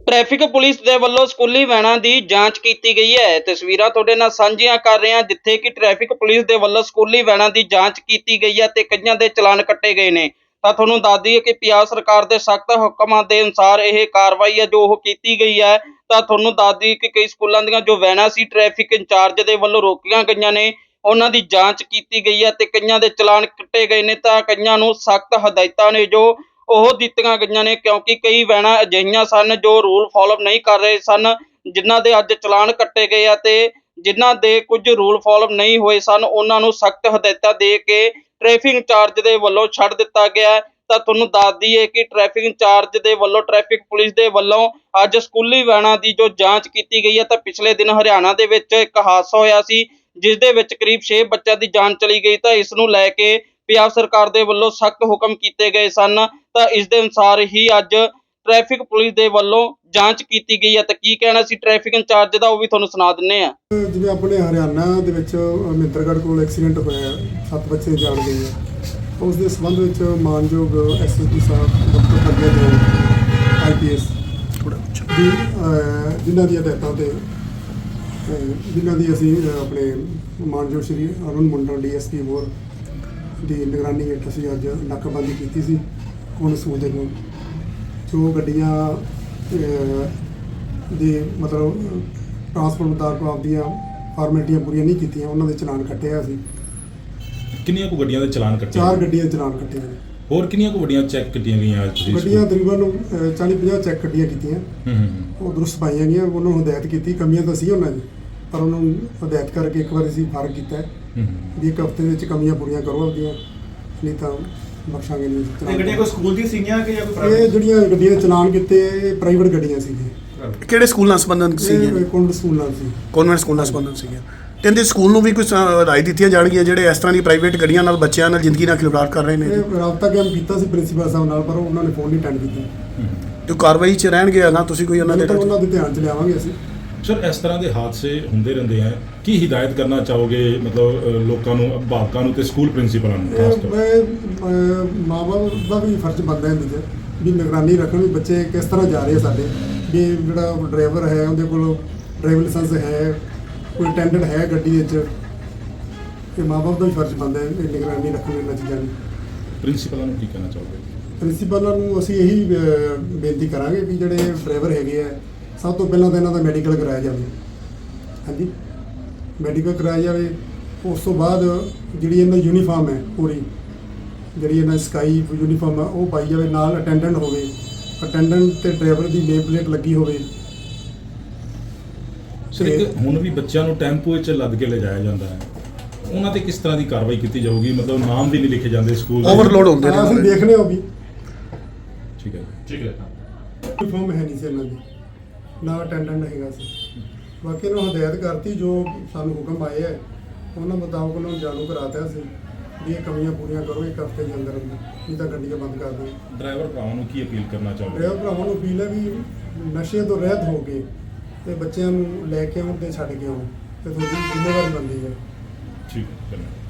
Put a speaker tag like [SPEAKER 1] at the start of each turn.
[SPEAKER 1] Traffic police दे ਵੱਲੋਂ ਸਕੂਲੀ ਵੈਨਾਂ ਦੀ ਜਾਂਚ ਕੀਤੀ ਗਈ ਹੈ। ਤਸਵੀਰਾਂ ਤੁਹਾਡੇ ਨਾਲ ਸਾਂਝੀਆਂ ਕਰ ਰਹੇ ਹਾਂ ਜਿੱਥੇ ਕਿ ਟ੍ਰੈਫਿਕ ਪੁਲਿਸ ਦੇ ਵੱਲੋਂ ਸਕੂਲੀ ਵੈਨਾਂ ਦੀ ਜਾਂਚ ਕੀਤੀ ਗਈ ਹੈ ਤੇ ਕਈਆਂ ਦੇ ਚਲਾਨ ਕੱਟੇ ਗਏ ਨੇ। ਤਾਂ ਤੁਹਾਨੂੰ ਦੱਸ ਦਈਏ ਕਿ ਪੰਜਾਬ ਸਰਕਾਰ ਦੇ ਸਖਤ ਹੁਕਮਾਂ ਦੇ ਅਨੁਸਾਰ ਇਹ ਕਾਰਵਾਈ ਹੈ ਜੋ ਉਹ ਕੀਤੀ ਗਈ ਹੈ। ਤਾਂ ਤੁਹਾਨੂੰ ਦੱਸ ਦਈਏ ਕਿ ਕਈ ਸਕੂਲਾਂ ਦੀਆਂ ਜੋ ਵੈਨਾਂ ਸੀ ਟ੍ਰੈਫਿਕ ਇੰਚਾਰਜ ਦੇ ਵੱਲੋਂ ਰੋਕੀਆਂ ਗਈਆਂ ਨੇ, ਉਹਨਾਂ ਦੀ ਜਾਂਚ ਕੀਤੀ ਗਈ ਹੈ ਤੇ ਕਈਆਂ ਦੇ ਚਲਾਨ ਕੱਟੇ ਗਏ ਨੇ। ਤਾਂ ਕਈਆਂ ਨੂੰ ਸਖਤ ਹਦਾਇਤਾਂ ਨੇ ਜੋ ਉਹ ਦਿੱਤੀਆਂ ਗਈਆਂ ਨੇ ਕਿਉਂਕਿ ਕਈ ਵੈਨਾਂ ਅਜਿਹੀਆਂ ਸਨ ਜੋ ਰੂਲ ਫੋਲੋ ਨਹੀਂ ਕਰ ਰਹੇ ਸਨ, ਜਿਨ੍ਹਾਂ ਦੇ ਅੱਜ ਚਲਾਨ ਕੱਟੇ ਗਏ ਆ ਤੇ ਜਿਨ੍ਹਾਂ ਦੇ ਕੁਝ ਰੂਲ ਫੋਲੋ ਨਹੀਂ ਹੋਏ ਸਨ ਉਹਨਾਂ ਨੂੰ ਸਖਤ ਹਦਾਇਤਾਂ ਦੇ ਕੇ ਟ੍ਰੈਫਿਕ ਇੰਚਾਰਜ ਦੇ ਵੱਲੋਂ ਛੱਡ ਦਿੱਤਾ ਗਿਆ। ਤਾਂ ਤੁਹਾਨੂੰ ਦੱਸ ਦਈਏ ਕਿ ਟ੍ਰੈਫਿਕ ਇੰਚਾਰਜ ਦੇ ਵੱਲੋਂ ਟ੍ਰੈਫਿਕ ਪੁਲਿਸ ਦੇ ਵੱਲੋਂ ਅੱਜ ਸਕੂਲੀ ਵੈਨਾਂ ਦੀ ਜੋ ਜਾਂਚ ਕੀਤੀ ਗਈ ਹੈ। ਤਾਂ ਪਿਛਲੇ ਦਿਨ ਹਰਿਆਣਾ ਦੇ ਵਿੱਚ ਇੱਕ ਹਾਦਸਾ ਹੋਇਆ ਸੀ ਜਿਸ ਦੇ ਵਿੱਚ ਕਰੀਬ 6 ਬੱਚਿਆਂ ਦੀ ਜਾਨ ਚਲੀ ਗਈ। ਤਾਂ ਇਸ ਨੂੰ ਲੈ ਕੇ ਪੰਜਾਬ ਸਰਕਾਰ ਦੇ ਵੱਲੋਂ ਸਖਤ ਹੁਕਮ ਕੀਤੇ ਗਏ ਸਨ। ਤਾਂ ਇਸ ਦੇ ਅਨੁਸਾਰ ਹੀ ਅੱਜ ਟ੍ਰੈਫਿਕ ਪੁਲਿਸ ਦੇ ਵੱਲੋਂ ਜਾਂਚ ਕੀਤੀ ਗਈ ਹੈ। ਤਾਂ ਕੀ ਕਹਿਣਾ ਸੀ ਟ੍ਰੈਫਿਕ ਇੰਚਾਰਜ ਦਾ ਉਹ ਵੀ ਤੁਹਾਨੂੰ ਸੁਣਾ ਦਿੰਦੇ ਆ।
[SPEAKER 2] ਜਿਵੇਂ ਆਪਣੇ ਹਰਿਆਣਾ ਦੇ ਵਿੱਚ ਮਹਿੰਦਰਗੜ੍ਹ ਕੋਲ ਐਕਸੀਡੈਂਟ ਹੋਇਆ, 7 ਬੱਚੇ ਜਾਨ ਗਏ ਆ। ਉਸ ਦੇ ਸੰਬੰਧ ਵਿੱਚ ਮਾਨਯੋਗ ਐਸਐਸਪੀ ਸਾਹਿਬ ਡਾਕਟਰ ਪ੍ਰਗਿਆ ਜੈਨ ਆਈਪੀਐਸ ਦੀ ਜਿਨ੍ਹਾਂ ਦੀਆਂ ਹਦਾਇਤਾਂ ਤੇ ਜਿਨ੍ਹਾਂ ਦੀ ਅਸੀਂ ਆਪਣੇ ਮਾਨਯੋਗ ਸ਼੍ਰੀ ਅਰੁਣ ਮੰਡਲ ਡੀਐਸਪੀ ਹੋਰ ਦੀ ਨਿਗਰਾਨੀ ਹੇਠ ਅਸੀਂ ਅੱਜ ਨਾਕਾਬੰਦੀ ਕੀਤੀ ਸੀ ਕੋਣ ਸਕੂਲ ਦੇ ਕੋਲ। ਜੋ ਗੱਡੀਆਂ ਦੇ ਮਤਲਬ ਟਰਾਂਸਪੋਰਟ ਮੁਤਾਬਕ ਆਪਦੀਆਂ ਫਾਰਮੈਲਿਟੀਆਂ ਪੂਰੀਆਂ ਨਹੀਂ ਕੀਤੀਆਂ ਉਹਨਾਂ ਦੇ ਚਲਾਨ ਕੱਟਿਆ ਸੀ।
[SPEAKER 3] ਕਿੰਨੀਆਂ ਕੁ ਗੱਡੀਆਂ ਦੇ ਚਲਾਨ ਕੱਟੇ?
[SPEAKER 2] 4 ਗੱਡੀਆਂ ਦੇ ਚਲਾਨ ਕੱਟੇ ਨੇ।
[SPEAKER 3] ਹੋਰ ਕਿੰਨੀਆਂ ਕੁ ਗੱਡੀਆਂ ਚੈੱਕ ਕੀਤੀਆਂ ਗਈਆਂ ਅੱਜ ਤੁਸੀਂ?
[SPEAKER 2] ਗੱਡੀਆਂ ਤਕਰੀਬਨ 40-50 ਚੈੱਕ ਗੱਡੀਆਂ ਕੀਤੀਆਂ। ਉਹ ਦਰੁਸਤ ਪਾਈਆਂ ਗਈਆਂ। ਉਹਨਾਂ ਨੂੰ ਹਦਾਇਤ ਕੀਤੀ, ਕਮੀਆਂ ਤਾਂ ਸੀ ਉਹਨਾਂ ਦੀ ਪਰ ਉਹਨਾਂ ਨੂੰ ਹਦਾਇਤ ਕਰਕੇ ਇੱਕ ਵਾਰ ਅਸੀਂ ਫਰਕ ਕੀਤਾ ਵੀ ਇੱਕ ਹਫ਼ਤੇ ਵਿੱਚ ਕਮੀਆਂ ਪੂਰੀਆਂ ਕਰੋ ਆਪਦੀਆਂ, ਨਹੀਂ ਤਾਂ ਬਖਸ਼ਾਂਗੇ ਨਹੀਂ।
[SPEAKER 4] ਇਹ ਗੱਡੀਆਂ ਕੋਈ ਸਕੂਲ ਦੀ ਸੀਗੀਆਂ ਕਿ ਜਾਂ ਕੋਈ
[SPEAKER 2] ਇਹ ਜਿਹੜੀਆਂ ਗੱਡੀਆਂ ਦੇ ਚਲਾਨ ਕੀਤੇ ਇਹ ਪ੍ਰਾਈਵੇਟ ਗੱਡੀਆਂ ਸੀਗੀਆਂ।
[SPEAKER 5] ਕਿਹੜੇ ਸਕੂਲ ਨਾਲ ਸੰਬੰਧਿਤ ਸੀਗੀਆਂ?
[SPEAKER 2] ਕੌਨਵੈਂਟ ਸਕੂਲ ਨਾਲ ਸੀ।
[SPEAKER 5] ਕੌਨਵੈਂਟ ਸਕੂਲ ਨਾਲ ਸੰਬੰਧਿਤ ਸੀਗੀਆਂ। ਤੇ ਇਹਦੇ ਸਕੂਲ ਨੂੰ ਵੀ ਕੁਝ ਰਾਏ ਦਿੱਤੀਆਂ ਜਾਣਗੀਆਂ ਜਿਹੜੇ ਇਸ ਤਰ੍ਹਾਂ ਦੀ ਪ੍ਰਾਈਵੇਟ ਗੱਡੀਆਂ ਨਾਲ ਬੱਚਿਆਂ ਨਾਲ ਜ਼ਿੰਦਗੀ ਨਾਲ ਖਿਲਵਾੜ ਕਰ ਰਹੇ ਨੇ?
[SPEAKER 2] ਇਹ ਰਾਬਤਾ ਕਾਇਮ ਕੀਤਾ ਸੀ ਪ੍ਰਿੰਸੀਪਲ ਸਾਹਿਬ ਨਾਲ ਪਰ ਉਹਨਾਂ ਨੇ ਫੋਨ ਨਹੀਂ ਅਟੈਂਡ ਕੀਤਾ।
[SPEAKER 5] ਜੋ ਕਾਰਵਾਈ 'ਚ ਰਹਿਣਗੇ ਅਗਾਂਹ ਤੁਸੀਂ ਕੋਈ ਉਹਨਾਂ ਦੇ
[SPEAKER 2] ਧਿਆਨ 'ਚ ਲਿਆਵਾਂਗੇ ਅਸੀਂ।
[SPEAKER 3] ਸਰ, ਇਸ ਤਰ੍ਹਾਂ ਦੇ ਹਾਦਸੇ ਹੁੰਦੇ ਰਹਿੰਦੇ ਆ, ਕੀ ਹਿਦਾਇਤ ਕਰਨਾ ਚਾਹੋਗੇ ਮਤਲਬ ਲੋਕਾਂ ਨੂੰ, ਅਭਿਭਾਵਕਾਂ ਨੂੰ ਤੇ ਸਕੂਲ ਪ੍ਰਿੰਸੀਪਲਾਂ ਨੂੰ ਖਾਸ ਤੌਰ
[SPEAKER 2] ਮੈਂ ਮਾਂ ਬਾਪ ਦਾ ਵੀ ਫਰਜ਼ ਬਣਦਾ ਇਹਦੇ 'ਚ ਵੀ ਨਿਗਰਾਨੀ ਰੱਖਣ ਵੀ ਬੱਚੇ ਕਿਸ ਤਰ੍ਹਾਂ ਜਾ ਰਹੇ ਸਾਡੇ, ਵੀ ਜਿਹੜਾ ਡਰਾਈਵਰ ਹੈ ਉਹਦੇ ਕੋਲ ਡਰਾਈਵਿੰਗ ਲਾਇਸੈਂਸ ਹੈ, ਕੋਈ ਅਟੈਂਡੈਂਟ ਹੈ ਗੱਡੀ ਵਿੱਚ। ਇਹ ਮਾਂ ਬਾਪ ਦਾ ਵੀ ਫਰਜ਼ ਬਣਦਾ ਹੈ ਨਿਗਰਾਨੀ ਰੱਖਣ ਇਹਨਾਂ ਚੀਜ਼ਾਂ ਦੀ।
[SPEAKER 3] ਪ੍ਰਿੰਸੀਪਲਾਂ ਨੂੰ ਕੀ ਕਹਿਣਾ ਚਾਹੋਗੇ?
[SPEAKER 2] ਪ੍ਰਿੰਸੀਪਲਾਂ ਨੂੰ ਅਸੀਂ ਇਹੀ ਬੇਨਤੀ ਕਰਾਂਗੇ ਵੀ ਜਿਹੜੇ ਡਰਾਈਵਰ ਹੈਗੇ ਆ ਸਭ ਤੋਂ ਪਹਿਲਾਂ ਤਾਂ ਇਹਨਾਂ ਦਾ ਮੈਡੀਕਲ ਕਰਾਇਆ ਜਾਵੇ। ਹਾਂਜੀ, ਮੈਡੀਕਲ ਕਰਾਇਆ ਜਾਵੇ। ਉਸ ਤੋਂ ਬਾਅਦ ਜਿਹੜੀ ਇਹਨਾਂ ਦੀ ਯੂਨੀਫਾਰਮ ਹੈ ਪੂਰੀ, ਜਿਹੜੀ ਇਹਨਾਂ ਸਕਾਈ ਯੂਨੀਫਾਰਮ ਆ ਉਹ ਪਾਈ ਜਾਵੇ, ਨਾਲ ਅਟੈਂਡੈਂਟ ਹੋਵੇ, ਅਟੈਂਡੈਂਟ ਤੇ ਡਰਾਈਵਰ ਦੀ ਨੇਮ ਪਲੇਟ ਲੱਗੀ ਹੋਵੇ।
[SPEAKER 3] ਸਰ, ਇੱਕ ਹੁਣ ਵੀ ਬੱਚਿਆਂ ਨੂੰ ਟੈਂਪੂ ਵਿੱਚ ਲੱਦ ਕੇ ਲਿਜਾਇਆ ਜਾਂਦਾ ਹੈ, ਉਹਨਾਂ ਤੇ ਕਿਸ ਤਰ੍ਹਾਂ ਦੀ ਕਾਰਵਾਈ ਕੀਤੀ ਜਾਊਗੀ? ਮਤਲਬ ਨਾਮ ਵੀ ਨਹੀਂ ਲਿਖੇ ਜਾਂਦੇ ਸਕੂਲ ਦੇ,
[SPEAKER 5] ਓਵਰਲੋਡ ਹੁੰਦੇ ਨੇ।
[SPEAKER 2] ਅਸੀਂ ਦੇਖ ਲਿਆ ਉਹ ਵੀ।
[SPEAKER 3] ਠੀਕ ਹੈ, ਠੀਕ ਹੈ।
[SPEAKER 2] ਯੂਨੀਫਾਰਮ ਹੈ ਨਹੀਂ ਸੀ ਇਹਨਾਂ ਦੀ, ਨਾ ਅਟੈਂਡੈਂਟ ਹੈਗਾ ਸੀ। ਬਾਕੀ ਨੂੰ ਹਦਾਇਤ ਕਰਤੀ ਜੋ ਸਾਨੂੰ ਹੁਕਮ ਆਏ ਹੈ ਉਹਨਾਂ ਮੁਤਾਬਕ ਉਹਨਾਂ ਨੂੰ ਜਾਣੂ ਕਰਾਤਾ ਸੀ ਵੀ ਇਹ ਕਮੀਆਂ ਪੂਰੀਆਂ ਕਰੋ ਇੱਕ ਹਫ਼ਤੇ ਦੇ ਅੰਦਰ ਅੰਦਰ, ਨਹੀਂ ਤਾਂ ਗੱਡੀਆਂ ਬੰਦ ਕਰ ਦਿਓ।
[SPEAKER 3] ਡਰਾਈਵਰ ਭਰਾਵਾਂ ਨੂੰ ਕੀ ਅਪੀਲ ਕਰਨਾ ਚਾਹੋਗੇ?
[SPEAKER 2] ਡਰਾਈਵਰ ਭਰਾਵਾਂ ਨੂੰ ਅਪੀਲ ਹੈ ਵੀ ਨਸ਼ੇ ਤੋਂ ਰਹਿਤ ਹੋ ਕੇ ਤੇ ਬੱਚਿਆਂ ਨੂੰ ਲੈ ਕੇ ਆਉਣ ਤੇ ਛੱਡ ਕੇ ਆਉਣ ਤੇ ਤੁਹਾਡੀ ਜ਼ਿੰਮੇਵਾਰੀ ਬਣਦੀ ਹੈ।
[SPEAKER 3] ਠੀਕ ਹੈ।